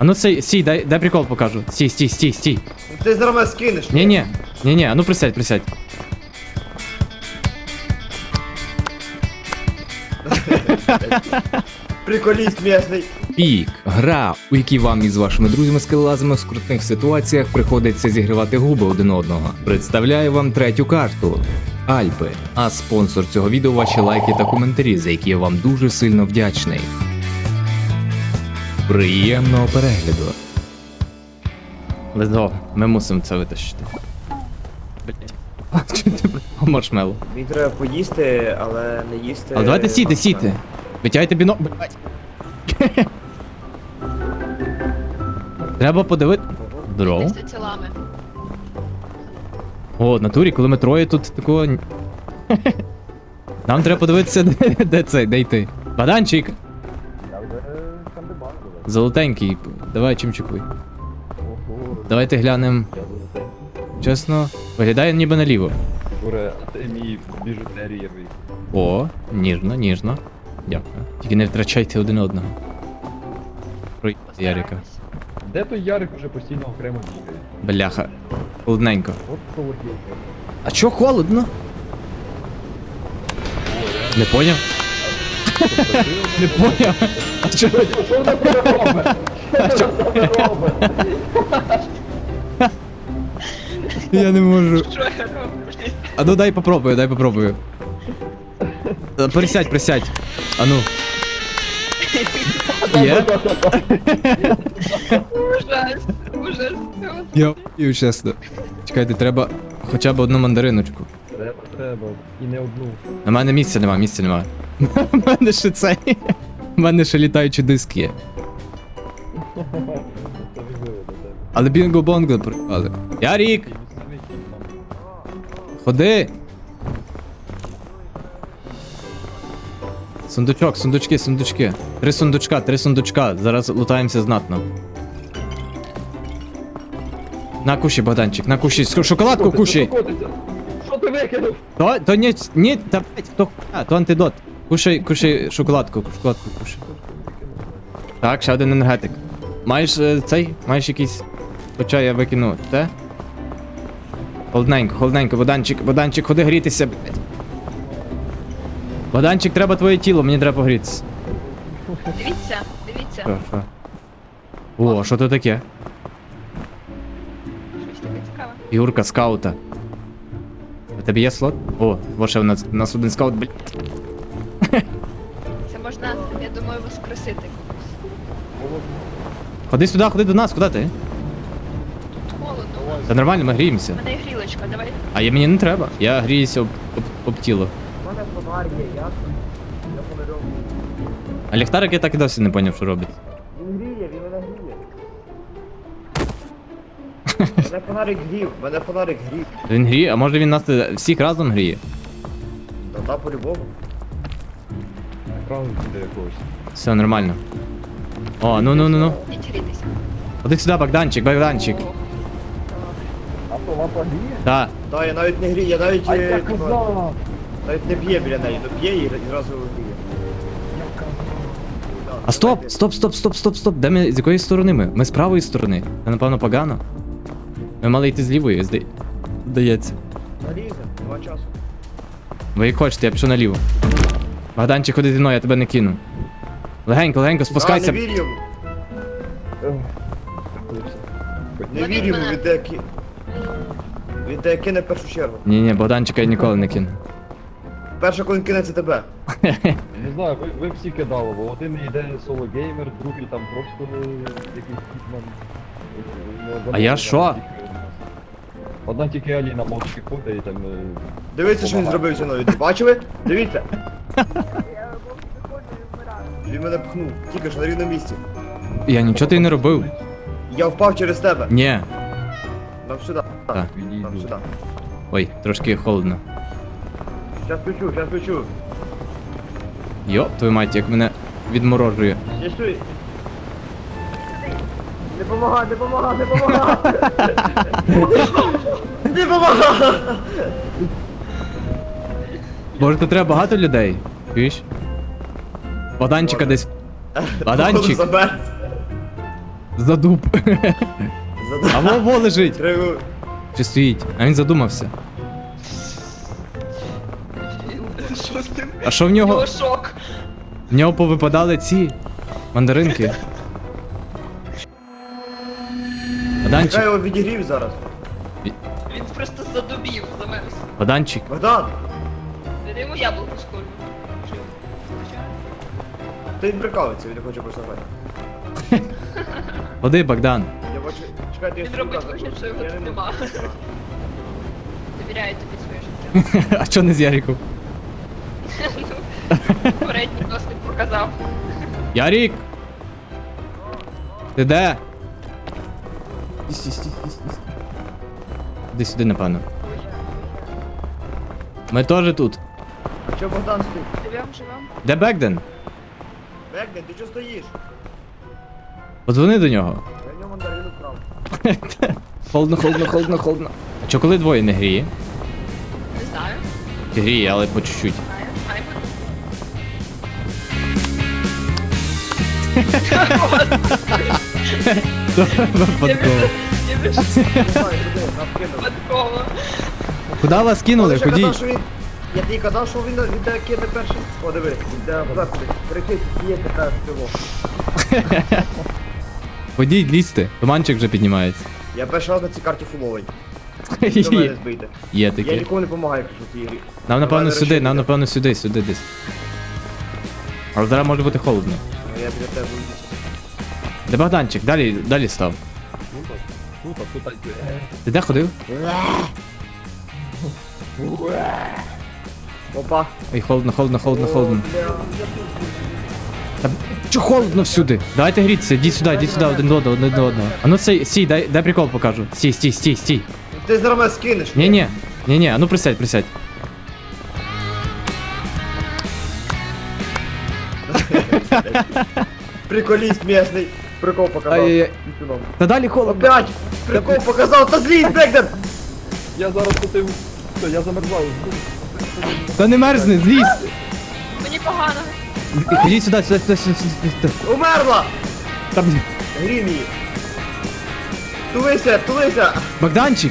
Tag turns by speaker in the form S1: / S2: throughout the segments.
S1: А ну сій, дай прикол покажу. Стій.
S2: Ти зараз мене скинеш.
S1: Ні, а ну присядь.
S2: Приколіст м'ясний.
S3: Пік. Гра, у якій вам із вашими друзями скелелазами в скрутних ситуаціях приходиться зігрівати губи один одного. Представляю вам третю карту. Альпи. А спонсор цього відео ваші лайки та коментарі, за які я вам дуже сильно вдячний. Приємного перегляду.
S1: Let's go. Ми мусимо це витащити. Блять. Маршмеллоу.
S2: Мені треба поїсти, але не їсти.
S1: А давайте сійте. Витягайте біно. Блять. Треба подивити. Здорово.
S4: З тілами.
S1: О, в натурі, коли ми троє тут такого. Нам треба подивитися, де йти. Баданчик! Золотенький. Давай чимчикуй. Давайте глянемо. Чесно, виглядає ніби наліво.
S5: Уре, а ти мій біжутерієвий.
S1: О, ніжно. Дякую. Тільки не втрачайте один одного. Про Ярика.
S5: Де той Ярик уже постійно окремо бігає?
S1: Бляха. Холодненько.
S5: От холоділка.
S1: А чо холодно? Не поняв? Не поняв. А чо?
S5: Що вона тебе робить? Що вона робить?
S1: Я не можу.
S4: Що я роблю?
S1: А ну дай попробую. Присядь. А ну. Є?
S4: Ужас.
S1: Я ю, чесно. Чекайте, треба хоча б одну мандариночку.
S5: Треба. І не одну.
S1: На мене місця нема. У мене ще цей. У мене ще літаючі диски є.
S5: Це важливо для тебе.
S1: Але бінго-бонго припали. Ярік!
S5: Ти місцевий кіт там.
S1: Ходи! Сундучки. Три сундучка. Зараз лутаємося знатно. На кушай, Богданчик, на кушай. Шоколадку кушай!
S5: Що ти викинув?
S1: То ні, та блять, то антидот. Кушай шоколадку кушай. Так, ще один енергетик. Маєш маєш якийсь. Хоча я викину те. Холодненько, Богданчик, ходи грітися, блять. Богданчик, треба твоє тіло, мені треба погрітися.
S4: Дивіться.
S1: Що? О, що то таке?
S4: Щось таке цікаве.
S1: Фігурка скаута. У тебе є слот? О, ще у нас один скаут, блять.
S4: Це можна, я думаю, воскресити комусь.
S1: Ходи сюди, ходи до нас, куди ти?
S4: Тут холодно.
S1: Та нормально, ми гріємося.
S4: У мене є грілочка, давай.
S1: А мені не треба. Я гріюся об тіло.
S2: У мене фонарь є, ясно? Я фонарем.
S1: А ліхтарик я так і досі не поняв, що робить.
S2: Він мене гріє. Мене фонарик грів.
S1: Він гріє, а може він нас всіх разом гріє?
S2: Та по-любому.
S5: Екран буде якогось.
S1: Все нормально. О, ну.
S4: Ідіть грітися.
S1: Ходи сюди, Богданчик.
S5: А то лампа гріє?
S1: Так.
S2: Та, я навіть не грію, я навіть...
S5: А я казав!
S2: Навіть не п'є біля неї, то п'є і зразу гріє.
S5: Я казав.
S1: А стоп. Де ми, з якої сторони ми? Ми з правої сторони. Це напевно погано. Ми мали йти з лівої, здається.
S2: Налізе, 2 часу.
S1: Ви як хочете, я пішов наліво. Богданчик, ходи зі мною, я тебе не кину. Легенько, спускайся.
S2: Не вірю йому. Не
S4: Ловіть
S2: вірю йому,
S4: мене.
S2: він тебе кине в першу чергу.
S1: Ні, Богданчика я ніколи не кину.
S2: Перше, коли він кине, це тебе.
S5: Не знаю, ви всі кидали, бо один йде соло геймер, другий там просто якийсь хітман.
S1: А я що?
S5: Одна тільки Аліна мовчки ходить і там...
S2: Дивіться, що він зробив зі мною. Бачили? Дивіться. Він мене пхнув, тільки ж на рівному місці.
S1: Я нічого ти не робив.
S2: Я впав через тебе.
S1: Ні.
S2: Нам сюди.
S1: Так.
S2: Нам
S5: Відійду.
S2: сюди.
S1: Ой, трошки холодно.
S2: Щас включу.
S1: Йоп, твою мать, як мене відморожує.
S2: Не стой. Не помагай. Не помагай.
S1: Може, тут треба багато людей? Чуєш? Богданчика десь. Богданчик!
S2: Забер.
S1: Задуб. А во лежить.
S2: Треба...
S1: Чи стоїть? А він задумався.
S4: Що з тим?
S1: А що в
S4: Його
S1: нього?
S4: шок.
S1: В нього повипадали ці мандаринки.
S2: Чекай,
S1: Богданчик,
S2: його відігрів зараз.
S4: Він просто задубів, замерз.
S1: Богданчик.
S2: Богдан,
S4: Я йому яблуко скормлю.
S2: ти він прикалується, він не хоче просто грати.
S1: Ходи, Богдан.
S2: Я бачу, чекайте, я
S4: Він робить
S2: сука,
S4: вигляд, що його
S2: я
S4: тут
S2: не
S4: нема.
S2: можу.
S4: Довіряю тобі своє життя.
S1: А чо не з Яриком?
S4: Передній досвід показав.
S1: Ярик! Ти де? Іди сюди, напевно. Ми теж тут.
S2: А чого Богдан стоїть?
S4: Живем.
S1: Де Бекден?
S2: Бекден, ти чого стоїш?
S1: Подзвони до нього.
S2: Я в нього мандарину вкрав.
S1: Холодно. А чо коли двоє не гріє?
S4: Не знаю.
S1: Чи гріє, але по чуть-чуть.
S4: Знаю. Хай буде.
S1: Випадково.
S4: Я більш
S2: Не знаю, куди, нам кинув.
S4: випадково.
S1: Куди вас кинули?
S2: Я ще казав,
S1: Ходіть.
S2: що він... Я тобі казав, що він де кине перший. О, диви, він де заходить. Кричить, є така пиво.
S1: Ходіть, лізьте. Туманчик вже піднімається.
S2: Я перший раз на цій карті фуловий. До мене збийте.
S1: Є
S2: Я
S1: таке.
S2: нікому не допомагаю, кажу, в цій грі.
S1: Нам напевно
S2: Давай,
S1: сюди,
S2: решити.
S1: нам напевно сюди десь. Але зараз може бути холодно.
S2: Ну, я біля тебе буду.
S1: Де Богданчик? Далі став.
S5: Тут.
S1: Ти де ходив?
S2: Опа.
S1: Ой, холодно.
S2: О, бля.
S1: Та чо холодно всюди? Давайте грітися, йдіть сюди, один до одного. А ну стій, дай прикол покажу. Стій.
S2: Ти зараз мене скинеш.
S1: Ні, а ну присядь.
S2: Приколіст місний. Прикол показав.
S1: Ай-яй-яй.
S2: Пісюном.
S1: Та далі холодно.
S2: Опять! Прикол показав, та злізь, Бекден!
S5: Я зараз тут все, я замерзаю.
S1: Та не мерзни, злізь.
S4: Мені погано.
S1: Ходіть сюди.
S2: Умерла!
S1: Та, блін.
S2: Грім її. Тулися!
S1: Богданчик.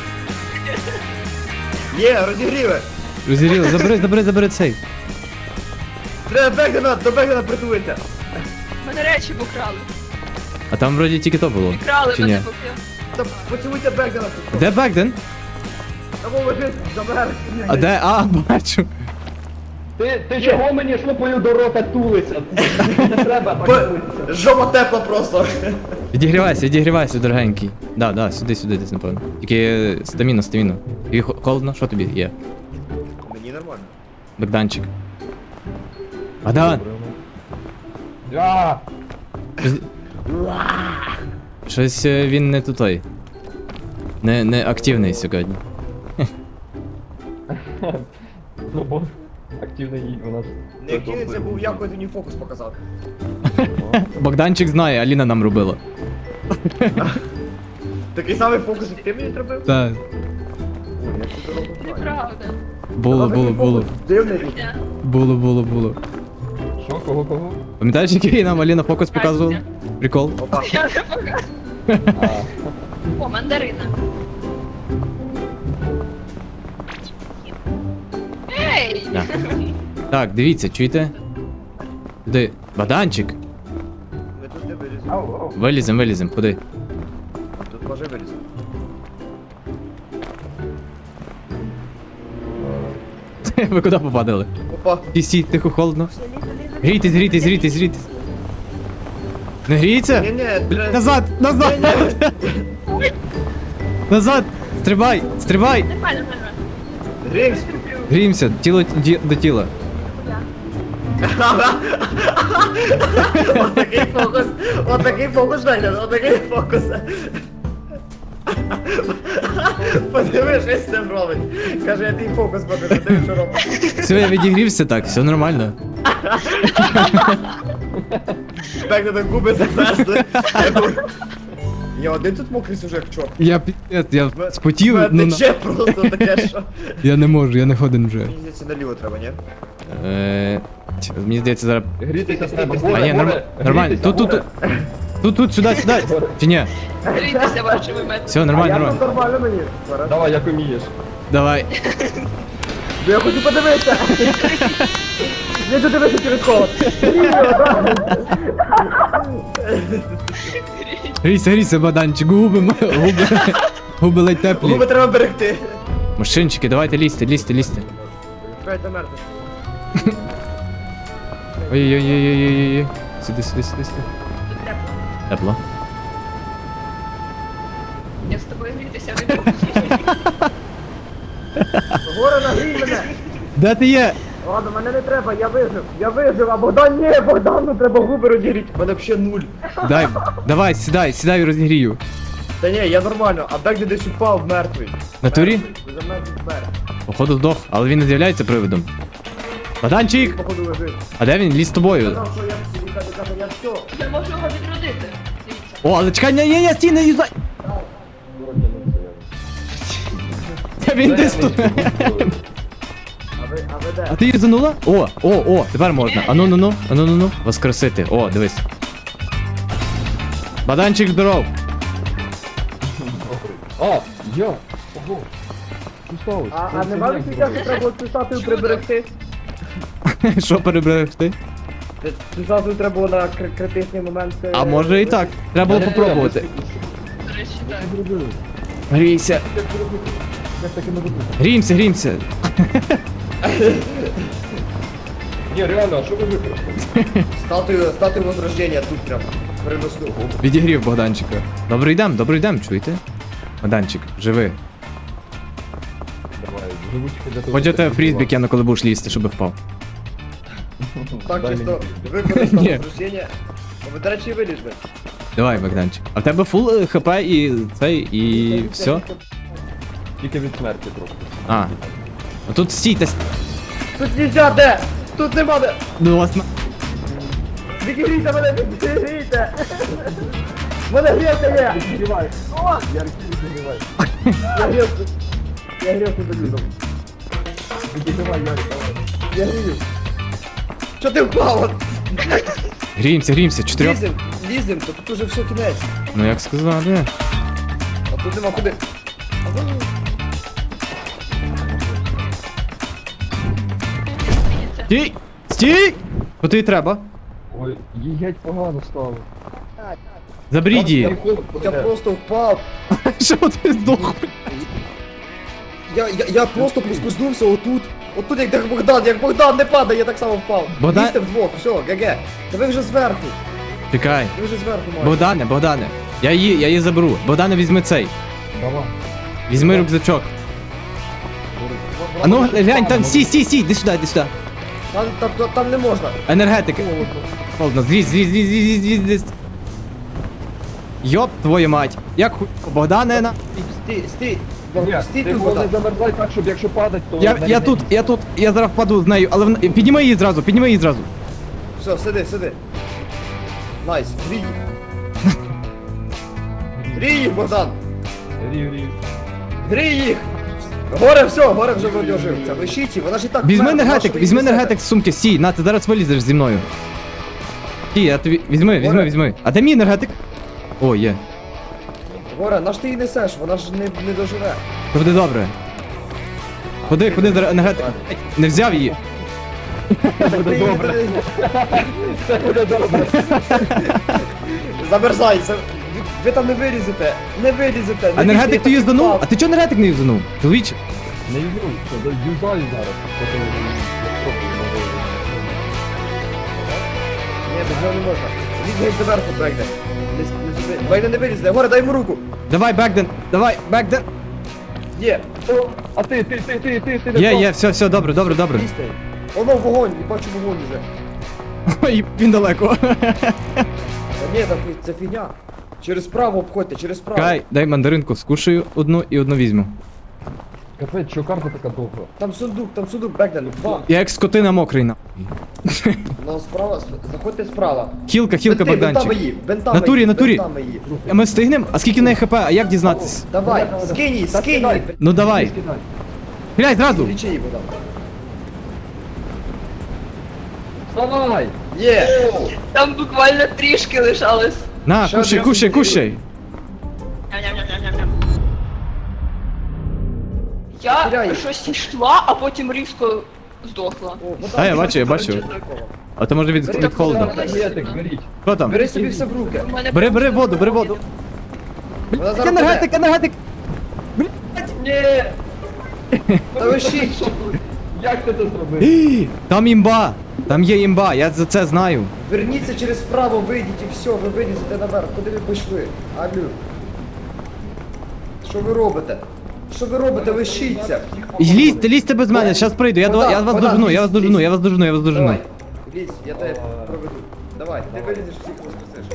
S2: Є, розігріве!
S1: Розіріло, забери цей.
S2: Треба Бекдена, до Бекдена притулися!
S4: Мене речі покрали.
S1: А там вроді тільки то було.
S4: Крали
S1: Чи
S4: мене
S1: ні?
S4: поки.
S2: Та поцілуйте Бекдена тут.
S1: Де Бекден?
S2: Та лежить, замер.
S1: А де? А, бачу.
S5: Ти чого мені шлопою до рота тулися? Не треба так тулитися.
S2: Жопа тепла просто.
S1: Відігрівайся, дорогенький. Да, сюди десь, напевно. Тільки стаміна. Тобі холодно? Що тобі є?
S2: Мені нормально.
S1: Богданчик. Богдан!
S5: А,
S1: Щось він не тутой. Не активний сьогодні.
S5: ну бо активний у нас.
S2: Не кинеться, був я, коли мені фокус показав.
S1: Богданчик знає, Аліна нам робила.
S2: Такий самий фокус, як ти мені зробив?
S1: Так.
S2: Ой, я цю дорогу знаю.
S4: Неправда.
S1: Було.
S2: Дивний.
S4: Ня.
S1: Було.
S5: Що, кого?
S1: Пам'ятаєш, який нам Аліна фокус показувала? Прикол.
S2: Опа.
S4: Я не покажу.
S5: А,
S4: О, мандарина. Ей!
S1: Да. Так, дивіться, чуєте? Туди. Богданчик.
S2: Ми тут не виліземо.
S1: Вилізем, ходи.
S2: Тут може виліземо.
S1: Ви куди попадали?
S2: Опа.
S1: Стій, тихо, холодно. Грійтесь. Не гріється?
S2: Ні,
S1: Назад! Назад! Стрибай!
S4: Нормально.
S2: Гримсь.
S1: Гріємося, тіло до тіла.
S2: Отакий фокус, Бекден, отакий фокус. Подиви, що з цим робить. Каже, я твій фокус покажу, диви, що робить.
S1: Все, я відігрівся так, все нормально.
S2: Бекден губи замерзли. Я один тут мокрий сюжет, чорт.
S1: Я спотів, ну
S2: Тече просто таке, що...
S1: я не можу, я не ходен вже.
S2: Мені здається, наліво треба, ні?
S1: Мені здається зараз.
S5: грітися треба.
S1: А ні, нормально. Тут. Тут, сюди. Чи ні?
S4: Грійтеся вашими методами.
S1: Все,
S2: А
S1: нормально,
S2: я
S1: нормально.
S2: тут нормально мені. Зараз.
S5: Давай, як умієш.
S1: Давай.
S2: Я хочу подивитися. Я тут дивитися через холод.
S1: Грійся, Богданчик, губи ледь теплі.
S2: Губи треба берегти.
S1: Мужчинчики, давайте лізьте.
S2: Чекайте мертвий.
S1: Ой-ой-ой-ой-ой-ой. Сюди.
S4: Тут тепло.
S1: Тепло.
S4: Я з тобою грітися не буду.
S2: Горе нагрій мене.
S1: Де ти є?
S2: Ладно, мене не треба, я вижив, а Богдан ні, Богдану треба губи розігріти. У мене взагалі нуль.
S1: Давай, сідай і розігрію.
S2: Та ні, я нормально, а Бек десь упав мертвий.
S1: В натурі?
S2: За мертвий смерть.
S1: Походу здох, але він не з'являється привидом. Богданчик!
S2: Походу лежить.
S1: А де він? Ліз з тобою.
S2: Сказав, що я все.
S4: Я можу його відродити. Дивіться.
S1: О, але чекай, ні, стій, не юзай! Та він десь тут.
S2: А ви де?
S1: А ти юзанула? О, тепер можна. Ану. Воскресити. О, дивись. Богданчик, здоров.
S5: А, я! Ого! Що сталося?
S2: А нема відчуття, що треба було цю статую приберегти?
S1: Що переберегти?
S2: Цю статую треба було на критичний момент.
S1: А може і так. Треба було попробувати.
S4: До речі, так.
S1: Грійся.
S5: Як таке не робити?
S1: Грімся.
S5: Ні, реально, а що ви використали?
S2: Статую возрождения тут прям. Переносну.
S1: Відігрів Богданчика. Добрий дем, чуєте? Богданчик, живи.
S5: Давай, живучки для того.
S1: Хоч я тебе фрізбі кину, коли будеш лізти, щоб впав.
S2: Так,
S5: Дай
S2: чисто
S5: мені.
S2: використав
S1: Ні.
S2: возрождення. Ви, до речі, виліз би.
S1: Давай, Богданчик. А в тебе фул хп і цей, і все?
S5: Тільки від смерті просто.
S1: А. А тут стійте.
S2: Тут нельзя, де? Тут нема де.
S1: Ну, вас на...
S2: Відігрійте мене, відігрійте. Мене грівка є.
S5: Відігрівай. Яркий відігрівай.
S2: Я грівку долізав.
S5: Відігрівай, Ярик, давай.
S2: Я грію. Чо ти впав?
S1: Гріємося, 4.
S2: Лізем, то тут уже все кінець.
S1: Ну як сказати.
S2: А тут нема куди.
S1: Стій! Куди й треба?
S5: Ой, їй геть погано стало.
S1: Заберіть її.
S2: Я просто впав.
S1: Що ти здох?
S2: Я просто поскользнувся отут. Отут як Богдан не падає, я так само впав.
S1: Богдан-
S2: Лізьте вдвох, все, ГГ. Та ви вже зверху.
S1: Чекай.
S2: Ви вже зверху маєте.
S1: Богдане. Я її заберу. Богдане, візьми цей.
S5: Давай.
S1: Візьми рюкзачок. А ну глянь, там стій, іди сюди.
S2: Там не можна.
S1: Енергетики. Холодно, злізь. Йоп, твою мать. Як хуй. Богдане на.
S2: Стій.
S5: Ні,
S2: Стій
S5: ти
S2: тут,
S5: головне
S2: Богдан.
S5: замерзай так, щоб якщо падать, то...
S1: Я тут, я зараз впаду з нею, але підніми її зразу.
S2: Все, сиди. Найс, грій їх. Грій їх, Богдан.
S5: Рів.
S2: Грій їх. Горе вже вроді ожився. Лишіть її, вона ж і так
S1: Візьми
S2: вмерла,
S1: енергетик,
S2: нащо ви
S1: візьми
S2: її
S1: енергетик з сумки, стій, на, ти зараз вилізеш зі мною. Стій, я тобі, візьми. А де мій енергетик? О, є.
S2: несете? Горе, наш ти її несеш, вона ж не доживе.
S1: Це буде добре. Ходи зараз енергетик. Не взяв її.
S2: Буде
S5: добре. Це буде добре.
S2: Замерзай, ви там не вилізете.
S1: А енергетик ти юзданув? А ти чого енергетик не юзданув? Чоловіче?
S5: Не юзаю, що юзаю зараз. Потім
S2: Ні, без нього не можна. Лізь геть зверху, Бегде. Бегде не вилізне. Горе, дай йому руку.
S1: Давай, Бекден.
S2: Є.
S5: А ти не
S1: Є, все, добре.
S2: Лізьте. Воно вогонь, я бачу вогонь уже.
S1: Ой, він далеко.
S2: Та ні, це фігня. Через право обходьте, через право.
S1: Кай, дай мандаринку, скушаю одну і одну візьму.
S5: Капець, що карта така довга?
S2: Там сундук, Бегден, два.
S1: Я як скотина мокрий на.
S2: Ну, справа, заходьте справа.
S1: Хілка,
S2: Бентами
S1: Богданчик.
S2: її,
S1: Натурі.
S2: бентами її.
S1: А ми встигнемо? А скільки в неї хп? А як дізнатись?
S2: Давай, скинь її.
S1: Ну давай. Глянь, зразу.
S2: Лічи її, Богдан.
S5: Вставай!
S2: Є.
S4: Там буквально трішки лишалось.
S1: На,
S2: Ще
S1: кушай,
S2: одразу
S1: кушай,
S2: поділю.
S1: кушай.
S4: Ням-ням-ням-ням-ням. Я
S2: Теряю.
S4: щось йшла, а потім різко здохла.
S2: О, ну
S1: А, я
S2: так,
S1: бачу, я
S2: так,
S1: бачу.
S2: так.
S1: А то може від холоду.
S5: Енергетик, беріть.
S1: Що там?
S2: Бери собі все в руки.
S4: У мене
S1: Бери воду, бери воду.
S2: Вона зараз
S1: Енергетик,
S2: піде.
S1: енергетик.
S5: Ні!
S2: Та ви шіть.
S5: Як ти це зробив?
S1: Ій, там імба. Там є імба, я за це знаю.
S2: Верніться через вправо, вийдіть і все, ви вилізете наверх. Куди ви пішли? Алю. Що ви робите? Що ви робите? Ви щіться.
S1: Лізьте, лізьте без мене, зараз прийду. Я вас
S2: Вода,
S1: дожену, я вас
S2: лізь,
S1: дожену,
S2: лізь.
S1: я вас дожену, я вас дожену.
S2: Давай. Лізь, я тебе проведу. Давай, ти вилізеш, всіх розпустиш.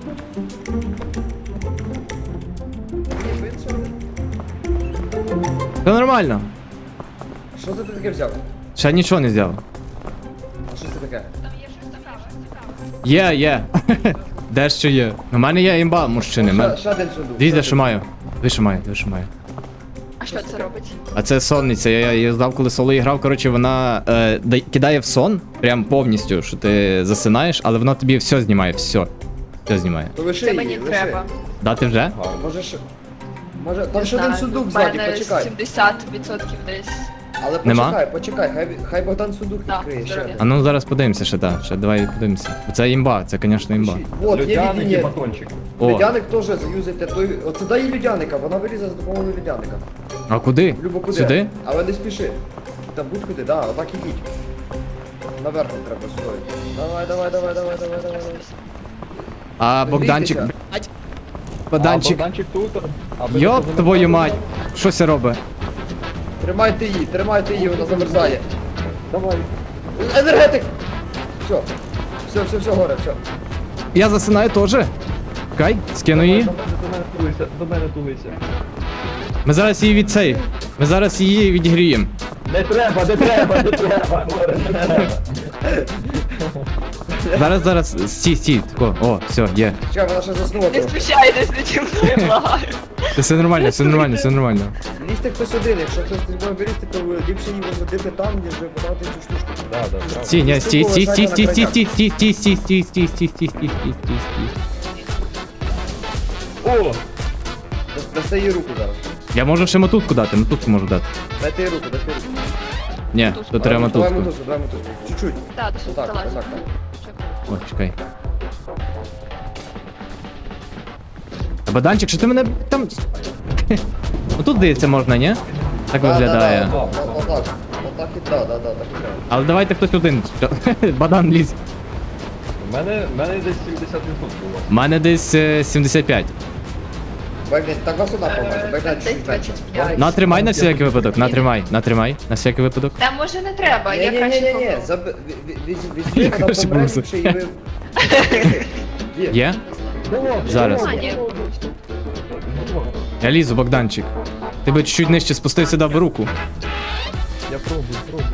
S1: Все нормально.
S2: Що це ти таке взяв?
S1: Ще нічого не взяв.
S2: А що це таке?
S4: Там є щось цікаве.
S1: Є. Дещо є. У мене є імба, мужчини.
S2: Ще один сундук.
S1: Дивіться, що маю. Ви що маю, ви що маю.
S4: А що це робить?
S1: А це сонниця, я її здав, коли соло грав. Коротше, вона кидає в сон, прям повністю, що ти засинаєш, але вона тобі все знімає, все. Все знімає.
S2: То лиши
S4: Це
S2: її,
S4: мені
S2: лиши.
S4: треба.
S1: Дати вже?
S2: Може ще... Може, там
S4: Не
S2: ще один
S4: знаю,
S2: сундук
S4: в
S2: ззаді,
S4: мене
S2: почекай.
S4: 70% десь.
S2: Але
S1: Нема?
S2: почекай, хай Богдан сундук
S4: Да,
S2: відкриє ще.
S4: здоров'я.
S1: А ну зараз подивимося ще, так. Ще давай подивимося. Це імба, це, звісно, імба.
S2: Вот, є
S5: Людяник і
S2: відіння.
S5: батончик.
S1: О,
S2: Людяник теж заюзайте той. Оце дай їй людяника, вона вилізе за допомогою людяника.
S1: а куди?
S2: Любо куди.
S1: Сюди?
S2: Але не спіши. Та будь-куди, да, отак ідіть. Наверх нам треба стоїти. Давай.
S1: А Богданчик.
S2: Дивіться.
S1: блядь.
S5: А
S1: Богданчик.
S5: Богданчик тут. а ви
S1: Йоп
S5: тут
S1: твою
S5: не
S1: мать. Що це робить?
S2: Тримайте її, вона замерзає.
S5: Давай.
S2: Енергетик! Все, горе, все.
S1: Я засинаю теж. Чекай, скину її.
S5: До мене тулися.
S1: Ми зараз її від цей. Ми зараз її відігріємо.
S5: Не треба.
S1: Зараз, стій, тако. О, все, є.
S2: Чекай, вона ще заснула
S4: Не
S2: трохи.
S4: спущайтесь на ті мною, благаю.
S1: Все нормально, все нормально, все нормально.
S2: Лізьте хтось один, якщо хтось з тобою берете, то ліпше її возити там, ніж подавати цю штучку.
S5: Да.
S1: Стій, ні, стій.
S5: О!
S2: Дасте їй руку зараз.
S1: Я можу ще мотузку дати, мотузку можу дати.
S2: Дайте їй руку.
S1: Ні, то треба
S2: Давай
S1: мотузку.
S2: мотузку. Чуть-чуть.
S4: Так, до сюди
S2: Отак,
S4: залазь.
S2: отак.
S1: О, чекай. А Баданчик, що ти мене там. Отут, здається, можна, ні? Так виглядає.
S2: Отак і так, так і треба.
S1: Але давайте хтось один. Бадан лізь.
S5: У мене десь 70% було.
S1: У мене десь 75.
S2: Бегніть, так вас сюди поможе, бегніть чуть менше.
S4: 25.
S1: Натримай на всякий випадок, натримай, на всякий випадок.
S4: Та може не треба, я
S2: Ні,
S4: краще
S2: візьми,
S1: Я
S2: вона
S1: краще
S2: помре,
S1: помру.
S2: ліпше і ви...
S1: Є? Зараз.
S4: А, ні.
S1: Я лізу, Богданчик. Ти би чуть-чуть нижче спустив сюди в руку.
S5: Я пробую.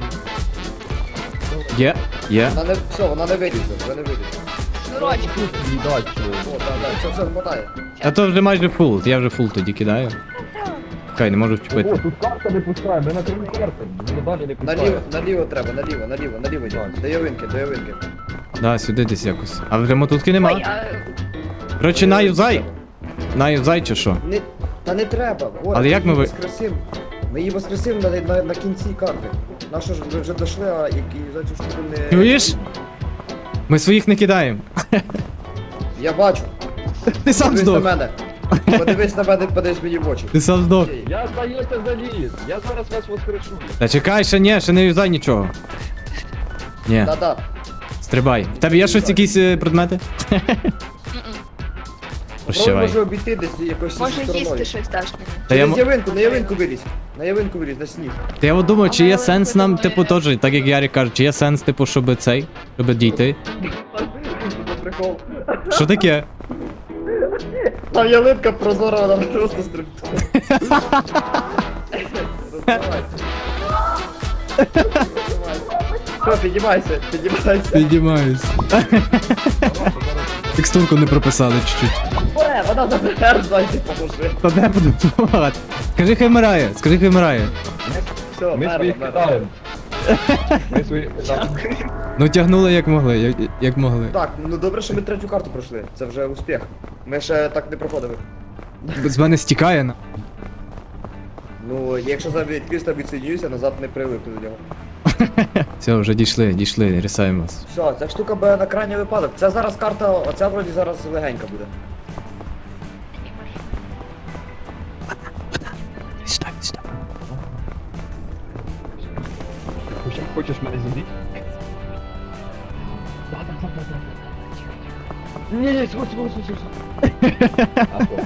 S1: Є.
S2: Вона не вилізе, вже не вилізе.
S4: Шнурочок.
S5: Їдать,
S2: О, так, все, хватає.
S1: А то вже майже фул, я вже фул тоді кидаю. Чекай, не можу вчепити.
S5: тут карта не пускає, ми на крім карти. Ми далі не пускає.
S2: Наліво треба, наліво. До явинки.
S1: Да, сюди десь якось. А вже мотузки
S4: Ой,
S1: нема.
S4: а
S1: Коротше, наюзай. Наюзай чи що?
S2: Та не треба, Горе,
S1: Але як ми ви-
S2: воскресим? Ми її воскресим на кінці карти. Нащо ж ви вже дійшли, а які за цю штуку не...
S1: Чуєш? Ми своїх не кидаємо.
S2: Я бачу.
S1: Ти сам
S2: Подивись на
S1: здох.
S2: мене. Подивись мені в очі.
S1: Ти сам здох.
S5: Я здається заліз. Я зараз вас воскрешу.
S1: Та чекай, ще не юзай нічого. Ні,
S2: Да.
S1: стрибай. В тебе є щось якісь предмети?
S2: Попробуй,
S1: Прощавай.
S2: може обійти десь якось
S4: може
S2: стороною.
S4: їсти щось даш мені.
S1: Та я,
S2: Через явинку, на явинку вилізь. На сніг.
S1: та я от думаю, чи є сенс нам, типу, теж, так як Ярик каже, чи є сенс, типу, щоб дійти?
S2: Прикол.
S1: Що таке?
S2: Там ялинка прозора, вона просто стрибнула. Все, піднімайся.
S1: Піднімаюсь. Текстурку не прописали чуть-чуть.
S2: Вона замерзла, йди поможи.
S1: Та де буду допомагати? Скажи, хай вмирає.
S2: Все,
S5: Ми своїх
S2: мерзла.
S5: кидаємо. Ми своїх кидаємо.
S1: Ну тягнули як могли, як могли.
S2: Так, ну добре, що ми третю карту пройшли. Це вже успіх. Ми ще так не проходили.
S1: З мене стікає на.
S2: Ну, якщо за відкрізь відсоединюся, назад не привикну до нього.
S1: Все, вже дійшли, рисаємось.
S2: Все, ця штука буде на крайній випадок. Це зараз карта, оця вроді зараз легенька буде.
S1: Сюди, сюди.
S5: Ти хочеш мене зібрати? Ні, сходь. А що?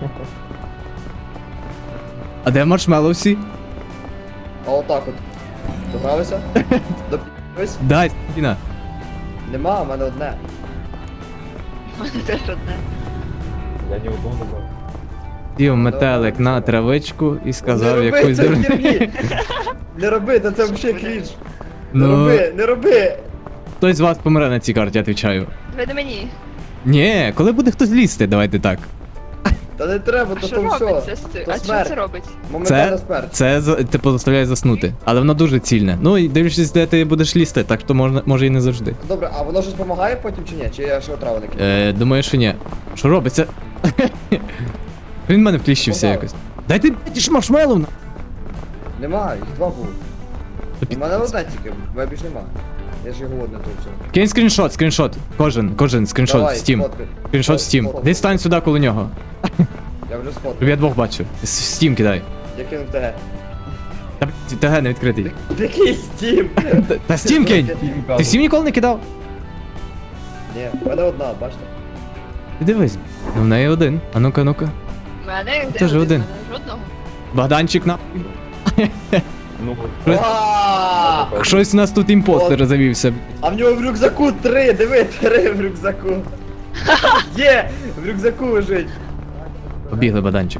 S1: А де маршмеллоу всі?
S2: А отак от. Догралися? Доп'ялись?
S1: Дай, Діна.
S2: Нема, в мене одне.
S4: У мене теж одне.
S5: Я ні одного не брав.
S1: Дів метелик на травичку і сказав
S2: не роби
S1: якусь
S2: це
S1: дурню.
S2: херні! Не роби, та це взагалі крінж. Не
S1: Ну,
S2: роби, не роби!
S1: хтось з вас помре на цій карті, я відповідаю.
S4: Ви до мені.
S1: Ні, коли буде хтось лізти, давайте так.
S2: Та не треба,
S4: А
S2: то
S4: що
S2: то все.
S4: робиться з цим?
S2: То
S4: А що
S2: смерть.
S4: це робить?
S2: Моментальна смерть.
S1: Це типу заставляє заснути, але воно дуже цільне. Ну і дивлячись, де ти будеш лізти, так то може і не завжди.
S2: Добре, а воно щось допомагає потім чи ні? Чи я ще отраву не кидаю?
S1: Думаю, що ні. Що робиться? Він в мене вкліщився
S2: Попав.
S1: якось. Дайте ж маршмеллоу на.
S2: Нема, їх два було.
S1: Тобі-
S2: У мене одне тільки, в мене більш нема. Я ж його голодний тут все.
S1: Кинь скріншот. Кожен скріншот в
S2: Давай,
S1: Steam.
S2: сфоткай.
S1: Скріншот в Steam.
S2: Сфоткай.
S1: Десь стань сюди коло нього.
S2: Я вже
S1: Щоб
S2: сфоткав.
S1: я двох бачу. В Steam кидай.
S2: Я кинув ТГ.
S1: Та ТГ не відкритий.
S2: Який стім?
S1: Та Steam кинь! Ти Steam ніколи не кидав?
S2: Ні, в мене одна, бачите?
S1: Ти дивись. Ну в неї один. А ну-ка.
S4: У мене
S1: Теж
S4: де
S1: один.
S4: У мене жодного.
S1: Богданчик на.
S5: Ну,
S1: Щось-
S2: Ааа!
S1: Щось у нас тут імпостер завівся.
S2: А в нього в рюкзаку 3, диви, 3 в рюкзаку. Є! В рюкзаку лежить.
S1: Побігли, Богданчик.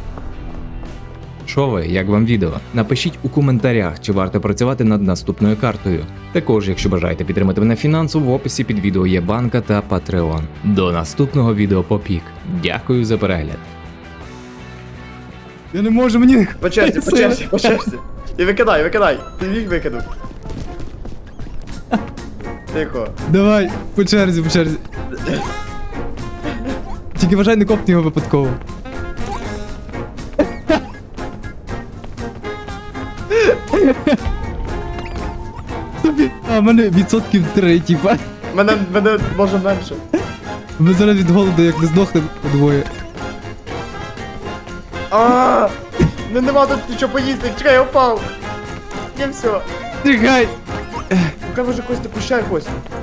S3: Що ви, як вам відео? Напишіть у коментарях, чи варто працювати над наступною картою. Також, якщо бажаєте підтримати мене фінансово, в описі під відео є банка та Patreon. До наступного відео попік. Дякую за перегляд.
S1: Я не можу, мені.
S2: По черзі, по черзі, по черзі. І викидай. Ти міг викинув. Тихо.
S1: Давай, по черзі. Тільки вважай, не копни його випадково. Тобі. А, в мене відсотків 3, типа.
S2: Мене може менше.
S1: Ми зараз від голоду як не здохнемо подвоє.
S2: Ааа! Ну нема тут нічого поїсти, чекай, я впав. Не все.
S1: Тікай!
S2: Поки може Костя, пущай Костя.